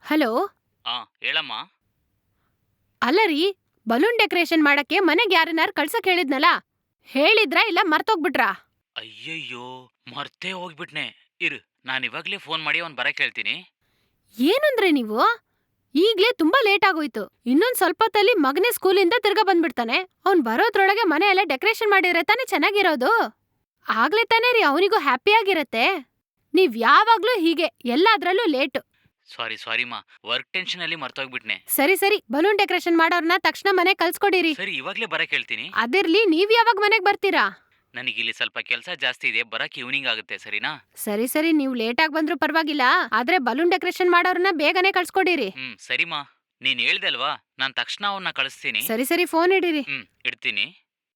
Hello. ಆ ಹೇಳಮ್ಮ. ಅಲ್ಲ ರೀ, ಬಲೂನ್ ಡೆಕೋರೇಷನ್ ಮಾಡಕ್ಕೆ ಮನೆಗ್ ಯಾರನ್ನಾರು ಕಳ್ಸಕ್ ಹೇಳಿದ್ನಲ್ಲ, ಹೇಳಿದ್ರಾ ಇಲ್ಲ ಮರ್ತೋಗ್ಬಿಟ್ರಾ? ಅಯ್ಯಯ್ಯೋ, ಮರ್ತೇ ಹೋಗ್ಬಿಟ್ನೆ. ಇರು, ನಾನಿವಾಗ್ಲೇ ಫೋನ್ ಮಾಡಿ ಅವ್ನ್ ಬರಕ್ ಹೇಳ್ತೀನಿ. ಏನಂದ್ರೆ ನೀವು? ಈಗ್ಲೇ ತುಂಬಾ ಲೇಟ್ ಆಗೋಯ್ತು. ಇನ್ನೊಂದ್ ಸ್ವಲ್ಪ ಹೊತ್ತಲ್ಲಿ ಮಗನೇ ಸ್ಕೂಲಿಂದ ತಿರ್ಗಾ ಬಂದ್ಬಿಡ್ತಾನೆ. ಅವ್ನ್ ಬರೋದ್ರೊಳಗೆ ಮನೆ ಎಲ್ಲ ಡೆಕೋರೇಷನ್ ಮಾಡಿದ್ರೆ ತಾನೇ ಚೆನ್ನಾಗಿರೋದು. ಆಗ್ಲೇ ತಾನೇ ರೀ ಅವನಿಗೂ ಹ್ಯಾಪಿಯಾಗಿರತ್ತೆ. ನೀವ್ ಯಾವಾಗ್ಲೂ ಹೀಗೆ ಎಲ್ಲಾದ್ರಲ್ಲೂ ಲೇಟು. ಸಾರಿಮಾ, ವರ್ಕ್ ಟೆನ್ಷನ್ ಅಲ್ಲಿ ಮರ್ತೋಗ್ಬಿಟ್ನೆ. ಸರಿ, ಬಲೂನ್ ಡೆಕೋರೇಷನ್ ಮಾಡೋರ್ನ ತಕ್ಷಣ ಮನೆಗ್ ಕಳ್ಸ್ಕೊಡಿರಿ. ಸರಿ, ಇವಾಗ್ಲೇ ಬರಕ್ ಹೇಳ್ತೀನಿ. ಅದಿರ್ಲಿ, ನೀವ್ ಯಾವಾಗ ಮನೆಗ್ ಬರ್ತೀರಾ? ನನಗಿಲ್ಲಿ ಸ್ವಲ್ಪ ಕೆಲಸ ಜಾಸ್ತಿ ಇದೆ, ಬರಕ್ ಈವ್ನಿಂಗ್ ಆಗುತ್ತೆ, ಸರಿನಾ? ಸರಿ, ನೀವ್ ಲೇಟಾಗ್ ಬಂದ್ರೂ ಪರವಾಗಿಲ್ಲ. ಆದ್ರೆ ಬಲೂನ್ ಡೆಕೋರೇಷನ್ ಮಾಡೋರ್ನ ಬೇಗನೆ ಕಳ್ಸ್ಕೊಡಿರಿ. ಸರಿಮಾ, ನೀನ್ ಹೇಳ್ದಲ್ವಾ, ನಾನ್ ತಕ್ಷಣ ಅವನ್ನ ಕಳಿಸ್ತೀನಿ. ಸರಿ, ಫೋನ್ ಇಡಿರಿ. ಇಡ್ತೀನಿ.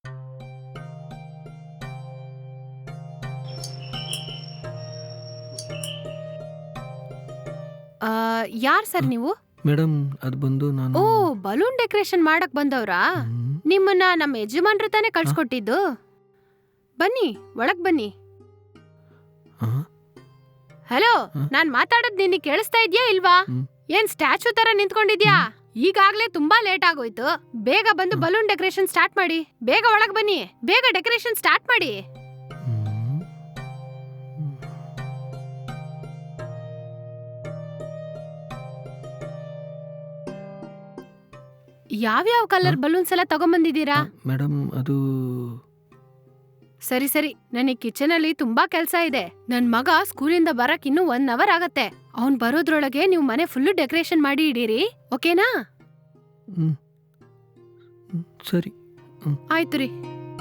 ಯಾರ್ ಸರ್ ನೀವು? ಮೇಡಮ್, ಅದು ಬಂದು ನಾನು. ಓ, ಬಲೂನ್ ಡೆಕೋರೇಷನ್ ಮಾಡಕ್ ಬಂದವ್ರಾ? ನಿಮ್ಮನ್ನ ನಮ್ಮ ಯಜಮಾನ್ರು ತಾನೇ ಕಳ್ಸ್ಕೊಟ್ಟಿದ್ದು. ಬನ್ನಿ, ಒಳಗ್ ಬನ್ನಿ. ಹಲೋ, ನಾನ್ ಮಾತಾಡೋದ್ ನಿನ್ಗೆ ಕೇಳಿಸ್ತಾ ಇದ್ಯಾ ಇಲ್ವಾ? ಏನ್ ಸ್ಟ್ಯಾಚು ತರ ನಿಂತ್ಕೊಂಡಿದ್ಯಾ? ಈಗಾಗ್ಲೇ ತುಂಬಾ ಲೇಟ್ ಆಗೋಯ್ತು. ಬೇಗ ಬಂದು ಬಲೂನ್ ಡೆಕೋರೇಷನ್ ಸ್ಟಾರ್ಟ್ ಮಾಡಿ. ಬೇಗ ಒಳಗ್ ಬನ್ನಿ, ಬೇಗ ಡೆಕೋರೇಷನ್ ಸ್ಟಾರ್ಟ್ ಮಾಡಿ. ಯಾವ್ಯಾವ ಕಲರ್ ಬಲೂನ್ಸ್ ಎಲ್ಲ ತಗೊಂಬಂದಿದ್ದೀರಾ? ಮೇಡಮ್, ಅದು. ಸರಿ, ನನಗ್ ಕಿಚನ್ ಅಲ್ಲಿ ತುಂಬಾ ಕೆಲ್ಸ ಇದೆ. ನನ್ ಮಗ ಸ್ಕೂಲಿಂದ ಬರಕ್ ಇನ್ನು 1 ಅವರ್ ಆಗತ್ತೆ. ಅವ್ನ್ ಬರೋದ್ರೊಳಗೆ ನೀವು ಮನೆ ಫುಲ್ಲು ಡೆಕೋರೇಷನ್ ಮಾಡಿ ಇಡೀರಿ, ಓಕೆನಾ? ಸರಿ. ಆಯ್ತು ರೀ.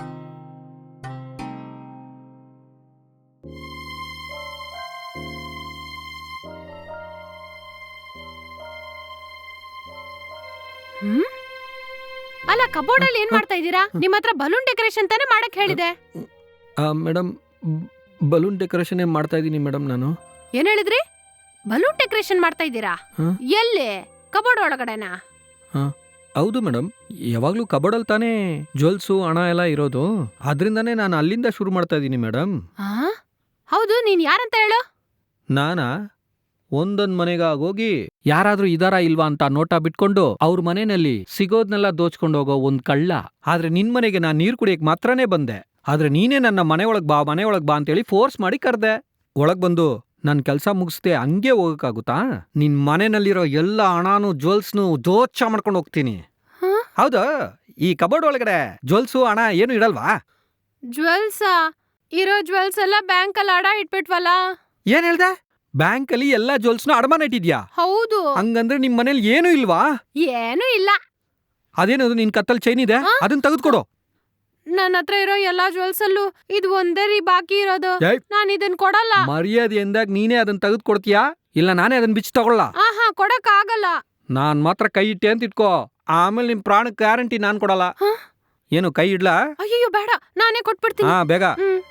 ಅಲ್ಲ, ಕಬೋರ್ಡ್ ಅಲ್ಲಿ ಏನ್ ಮಾಡ್ತಾ ಇದ್ದೀರಾ? ನಿಮ್ ಹತ್ರ ಬಲೂನ್ ಡೆಕೋರೇಷನ್ ತಾನೇ ಮಾಡಕ್ ಹೇಳಿದೆ. ಮೇಡಮ್, ಬಲೂನ್ ಡೆಕೋರೇಷನ್ ಮಾಡ್ತಾ ಇದ್ದೀನಿ ಮೇಡಮ್ ನಾನು. ಏನ್ ಹೇಳಿದ್ರಿ? ಬಲೂನ್ ಡೆಕೋರೇಷನ್ ಮಾಡ್ತಾ ಇದ್ದೀರಾ? ಎಲ್ಲಿ? ಕಬೋರ್ಡ್ ಒಳಗಡೆನಾ? ಹೌದು ಮೇಡಮ್, ಯಾವಾಗ್ಲೂ ಕಬೋರ್ಡಲ್ಲಿ ತಾನೇ ಜ್ಯುವೆಲ್ಸು ಹಣ ಎಲ್ಲ ಇರೋದು. ಆದ್ರಿಂದಾನೇ ನಾನು ಅಲ್ಲಿಂದ ಶುರು ಮಾಡ್ತಾ ಇದ್ದೀನಿ ಮೇಡಮ್. ಹೌದು, ನೀನ್ ಯಾರಂತ ಹೇಳು? ನಾನಾ? ಒಂದೊಂದ್ ಮನೆಗಾಗೋಗಿ ಯಾರಾದ್ರೂ ಇದಾರಾ ಇಲ್ವಾ ಅಂತ ನೋಟ ಬಿಟ್ಕೊಂಡು ಅವ್ರ ಮನೆಯಲ್ಲಿ ಸಿಗೋದ್ನೆಲ್ಲ ದೋಚ್ಕೊಂಡು ಹೋಗೋ ಒಂದ್ ಕಳ್ಳ. ಆದ್ರೆ ನಿನ್ ಮನೆಗೆ ನಾನ್ ನೀರ್ ಕುಡಿಯಕ್ ಮಾತ್ರನೇ ಬಂದೆ. ಆದ್ರೆ ನೀನೇ ನನ್ನ ಮನೆ ಒಳಗ್ ಬಾ ಅಂತೇಳಿ ಫೋರ್ಸ್ ಮಾಡಿ ಕರ್ದೆ. ಒಳಗ್ ಬಂದು ನನ್ ಕೆಲ್ಸ ಮುಗಿಸ್ದೆ ಹಂಗೆ ಹೋಗಕ್ಕಾಗುತ್ತಾ? ನಿನ್ ಮನೆಯಲ್ಲಿರೋ ಎಲ್ಲ ಹಣಾನು ಜ್ಯುವೆಲ್ಸ್ನು ದೋಚ ಮಾಡ್ಕೊಂಡು ಹೋಗ್ತೀನಿ. ಹೌದಾ? ಈ ಕಬೋರ್ಡ್ ಒಳಗಡೆ ಜ್ಯುವೆಲ್ಸು ಹಣ ಏನು ಇಡಲ್ವಾ? ಜ್ಯುವೆಲ್ಸಾ? ಇರೋ ಜ್ಯುವೆಲ್ಸ್ ಎಲ್ಲ ಬ್ಯಾಂಕ್ ಅಲ್ಲಿ ಅಡ ಇಟ್ಬಿಟ್ವಲ್ಲ. ಏನ್ ಹೇಳ್ದೆ? ಬ್ಯಾಂಕ್ ಅಲ್ಲಿ ಎಲ್ಲಾ ಜ್ಯುವೆಲ್ಸ್ನು ಅಡಮಾನ ಇಟ್ಟಿದ್ಯಾ? ಹೌದು. ಹಂಗಂದ್ರೆ ನಿಮ್ ಮನೇಲಿ ಏನು ಇಲ್ವಾ? ಏನು ಇಲ್ಲ. ಅದೇನದು ನಿನ್ ಕತ್ತಲ್ ಚೈನ್ ಇದೆ, ಅದನ್ನ ತೆಗೆದುಕೊಡು. ನನ್ನ ಹತ್ರ ಇರೋ ಎಲ್ಲಾ ಜ್ಯುವೆಲ್ಸ್ ಅಲ್ಲೂ ಇದು ಒಂದೇ ರೀ ಬಾಕಿ ಇರೋದು. ನಾನು ಇದನ್ ಕೊಡಲ್ಲ. ಮರ್ಯಾದೆ ಎಂದಾಗ ನೀನೇ ಅದನ್ನ ತೆಗೆದುಕೊಡ್ತೀಯಾ ಇಲ್ಲ ನಾನೇ ಅದನ್ನ ಬಿಚ್ಚಿ ತಗೊಳ್ಳ? ಕೊಡಕ್ ಆಗಲ್ಲ. ನಾನ್ ಮಾತ್ರ ಕೈ ಇಟ್ಟೆ ಅಂತ ಇಟ್ಕೋ, ಆಮೇಲೆ ನಿಮ್ ಪ್ರಾಣಕ್ಕೆ ಗ್ಯಾರಂಟಿ ನಾನ್ ಕೊಡಲ್ಲ. ಏನು ಕೈ ಇಡ್ಲಾ? ಅಯ್ಯೋ ಬೇಡ, ನಾನೇ ಕೊಟ್ಬಿಡ್ತೀನಿ. ಬೇಗ.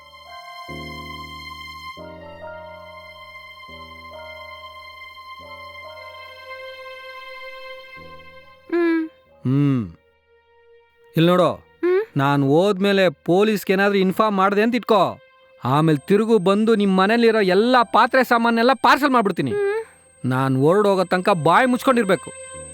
ಇಲ್ಲಿ ನೋಡು, ನಾನು ಹೋದ್ಮೇಲೆ ಪೊಲೀಸ್ಗೆ ಏನಾದ್ರೂ ಇನ್ಫಾರ್ಮ್ ಮಾಡಿದೆ ಅಂತ ಇಟ್ಕೋ, ಆಮೇಲೆ ತಿರುಗು ಬಂದು ನಿಮ್ ಮನೇಲಿರೋ ಎಲ್ಲಾ ಪಾತ್ರೆ ಸಾಮಾನೆಲ್ಲ ಪಾರ್ಸಲ್ ಮಾಡ್ಬಿಡ್ತೀನಿ. ನಾನು ಹೊರಡೋಗೋ ತನಕ ಬಾಯಿ ಮುಚ್ಕೊಂಡಿರ್ಬೇಕು.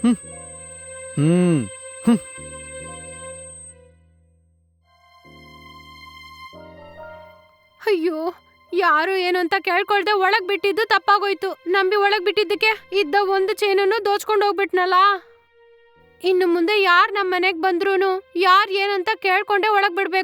ಅಯ್ಯೋ, ಯಾರು ಏನು ಅಂತ ಕೇಳ್ಕೊಳ್ದೆ ಒಳಗ್ ಬಿಟ್ಟಿದ್ದು ತಪ್ಪಾಗೋಯ್ತು. ನಂಬಿ ಒಳಗ್ ಬಿಟ್ಟಿದ್ದಕ್ಕೆ ಇದ್ದ ಒಂದು ಚೈನನ್ನು ದೋಚ್ಕೊಂಡು ಹೋಗ್ಬಿಟ್ನಲ್ಲ. ಇನ್ನು ಮುಂದೆ ಯಾರ್ ನಮ್ ಮನೆಗ್ ಬಂದ್ರೂನು ಯಾರ್ ಏನಂತ ಕೇಳ್ಕೊಂಡೆ ಒಳಗ್ ಬಿಡ್ಬೇಕು.